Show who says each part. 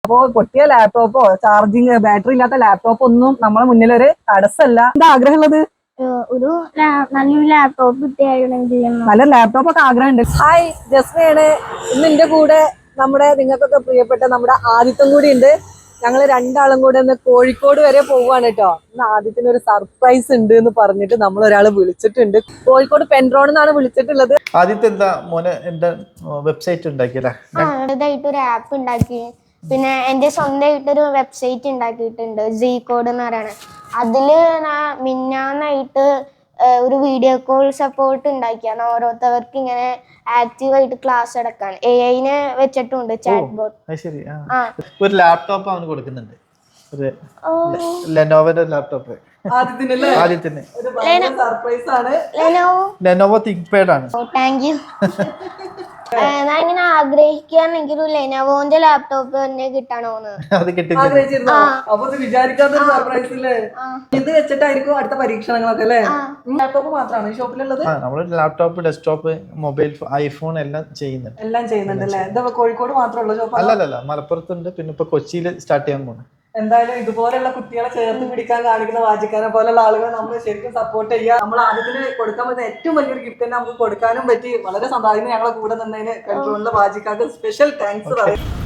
Speaker 1: അപ്പോ പൊട്ടിയ ലാപ്ടോപ്പോ ചാർജിങ് ബാറ്ററി ഇല്ലാത്ത ലാപ്ടോപ്പ് ഒന്നും നമ്മളെ മുന്നിൽ ഒരു തടസ്സമല്ല. എന്താ ആഗ്രഹമുള്ളത്?
Speaker 2: ഒരു നല്ലൊരു ലാപ്ടോപ്പ് കിട്ടിയാണെങ്കിൽ
Speaker 1: നല്ല ലാപ്ടോപ്പ് ഒക്കെ ആഗ്രഹമുണ്ട്. ഹായ്, ജസ്മയാണ്. ഇന്ന് എന്റെ കൂടെ നമ്മുടെ നിങ്ങൾക്കൊക്കെ പ്രിയപ്പെട്ട നമ്മുടെ ആദിത്യം കൂടി ഉണ്ട്. ഞങ്ങൾ രണ്ടാളും കൂടെ ഒന്ന് കോഴിക്കോട് വരെ പോവാണ് കേട്ടോ. ഇന്ന് ആദിത്യന് ഒരു സർപ്രൈസ് ഉണ്ട് എന്ന് പറഞ്ഞിട്ട് നമ്മൾ ഒരാളെ വിളിച്ചിട്ടുണ്ട്. കോഴിക്കോട് പെൻട്രോൺ എന്നാണ് വിളിച്ചിട്ടുള്ളത്.
Speaker 3: ആദ്യത്തെ എന്താ മോനെ എന്താ വെബ്സൈറ്റ് ഉണ്ടാക്കിയല്ലേ?
Speaker 2: ഒരു ആപ്പ് ഉണ്ടാക്കി. പിന്നെ എന്റെ സ്വന്തമായിട്ടൊരു വെബ്സൈറ്റ് ഉണ്ടാക്കിയിട്ടുണ്ട്, Zcode എന്ന് പറയുന്നത്. അതില് മിന്നാന്നായിട്ട് ഒരു വീഡിയോ കോൾ സപ്പോർട്ട് ഉണ്ടാക്കിയാണ് ഓരോരുത്തർക്ക് ഇങ്ങനെ ആക്റ്റീവായിട്ട് ക്ലാസ് എടുക്കാൻ. AI വെച്ചിട്ടുണ്ട് ചാറ്റ് ബോട്ട്.
Speaker 3: ഒരു ലാപ്ടോപ്പ് അവന് കൊടുക്കുന്നുണ്ട്, ഒരു ലെനോവോയുടെ ലാപ്ടോപ്പ് ആദ്യത്തിന്. ലെനോവോ തിങ്ക്പാഡ് ആണ്.
Speaker 2: Thank you. ഞാൻ ഇങ്ങനെ ആഗ്രഹിക്കുകയാണെങ്കിൽ ഒരു ലെനോവോന്റെ ലാപ്ടോപ്പ് തന്നെ കിട്ടണോന്ന്.
Speaker 3: അത് കിട്ടി.
Speaker 1: വിചാരിക്കാത്തൊരു സർപ്രൈസ് അല്ലേ? ഇത് വെച്ചിട്ടായിരിക്കും അടുത്ത പരീക്ഷണങ്ങളൊക്കെ അല്ലേ? ലാപ്ടോപ്പ് മാത്രമാണ് ഈ ഷോപ്പിലുള്ളത്?
Speaker 3: നമ്മള് ലാപ്ടോപ്പ്, ഡെസ്ക്ടോപ്പ്, മൊബൈൽ, ഐഫോൺ എല്ലാം ചെയ്യുന്നുണ്ട്.
Speaker 1: എല്ലാം ചെയ്യുന്നുണ്ട് അല്ലേ? എന്താ കോഴിക്കോട് മാത്രമുള്ള ഷോപ്പ്?
Speaker 3: അല്ലല്ല, മലപ്പുറത്തുണ്ട്. പിന്നെ ഇപ്പൊ കൊച്ചിയിൽ സ്റ്റാർട്ട് ചെയ്യാൻ പോണു.
Speaker 1: എന്തായാലും ഇതുപോലെയുള്ള കുട്ടികളെ ചേർത്ത് പിടിക്കാൻ കാണിക്കുന്ന വാജിക്കാനെ പോലുള്ള ആളുകളെ നമ്മൾ ശരിക്കും സപ്പോർട്ട് ചെയ്യുക. നമ്മൾ ആദ്യത്തിന് കൊടുക്കാൻ പറ്റുന്ന ഏറ്റവും വലിയൊരു ഗിഫ്റ്റ് തന്നെ നമുക്ക് കൊടുക്കാനും പറ്റി. വളരെ സന്തോഷം. ഞങ്ങളെ കൂടെ നിന്നതിന് കൺട്രോളിലെ വാജിക്കാർക്ക് സ്പെഷ്യൽ താങ്ക്സ് പറയും.